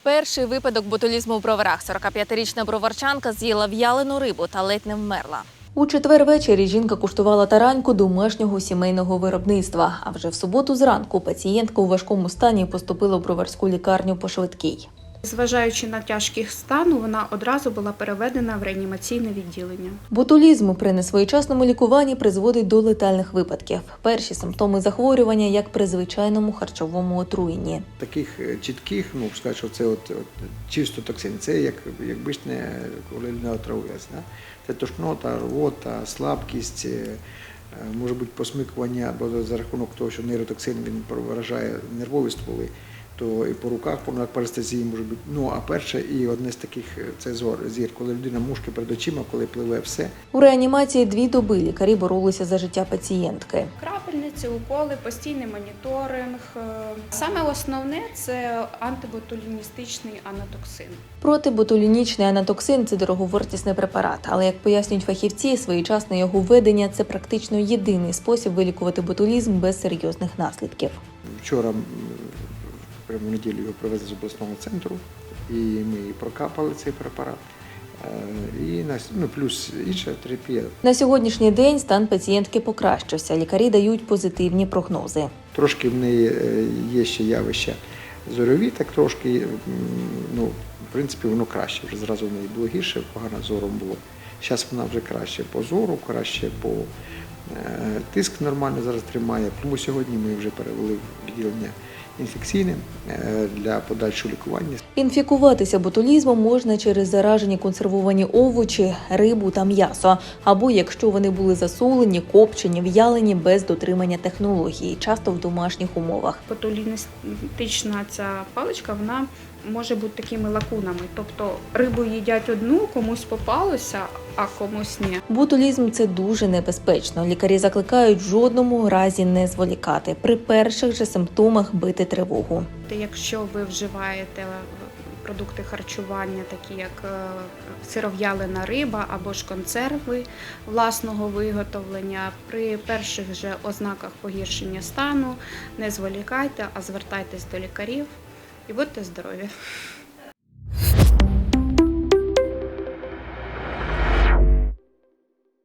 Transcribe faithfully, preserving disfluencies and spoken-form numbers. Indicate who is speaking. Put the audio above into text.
Speaker 1: Перший випадок ботулізму в броварах. сорокап'ятирічна броварчанка з'їла в'ялену рибу та ледь не вмерла. У четвер ввечері жінка куштувала тараньку домашнього сімейного виробництва. А вже в суботу зранку пацієнтка у важкому стані поступила в броварську лікарню по швидкій.
Speaker 2: Зважаючи на тяжкість стану, вона одразу була переведена в реанімаційне відділення.
Speaker 1: Ботулізм при несвоєчасному лікуванні призводить до летальних випадків. Перші симптоми захворювання, як при звичайному харчовому отруєнні.
Speaker 3: Таких чітких, ну, скажу, що це от, от, чисто токсин, це як, якби ж не коли не отравилась. Да? Це тошнота, рвота, слабкість, може бути посмикування, бо за рахунок того, що нейротоксин він вражає нервові стволи, то і по руках, по парестезії може бути. Ну, а перше і одне з таких – це зор, зір, коли людина мушки перед очима, коли пливе все.
Speaker 1: У реанімації дві доби лікарі боролися за життя пацієнтки.
Speaker 2: Крапельниці, уколи, постійний моніторинг. Саме основне – це антиботуліністичний анатоксин.
Speaker 1: Протиботулінічний анатоксин – це дороговартісний препарат, але, як пояснюють фахівці, своєчасне його введення – це практично єдиний спосіб вилікувати ботулізм без серйозних наслідків.
Speaker 3: Вчора прямо в неділю його привезли з обласного центру, і ми прокапали цей препарат. І ну, плюс інша терапія.
Speaker 1: На сьогоднішній день стан пацієнтки покращився. Лікарі дають позитивні прогнози.
Speaker 3: Трошки в неї є ще явища зорові, так трошки, ну, в принципі, воно краще. Вже зразу в неї було гірше, погано зором було. Зараз вона вже краще по зору, краще по тиск нормально зараз тримає. Тому сьогодні ми вже перевели в відділення інфекційне для подальшого лікування.
Speaker 1: Інфікуватися ботулізмом можна через заражені консервовані овочі, рибу та м'ясо, або якщо вони були засолені, копчені, в'ялені без дотримання технології, часто в домашніх умовах.
Speaker 2: Ботуліністична ця паличка, вона може бути такими лакунами. Тобто рибу їдять одну, комусь попалося, а комусь ні.
Speaker 1: Ботулізм – це дуже небезпечно. Лікарі закликають в жодному разі не зволікати. При перших же симптомах бити тривогу.
Speaker 2: Якщо ви вживаєте продукти харчування, такі як сиров'ялена риба або ж консерви власного виготовлення, при перших же ознаках погіршення стану не зволікайте, а звертайтесь до лікарів і будьте здорові.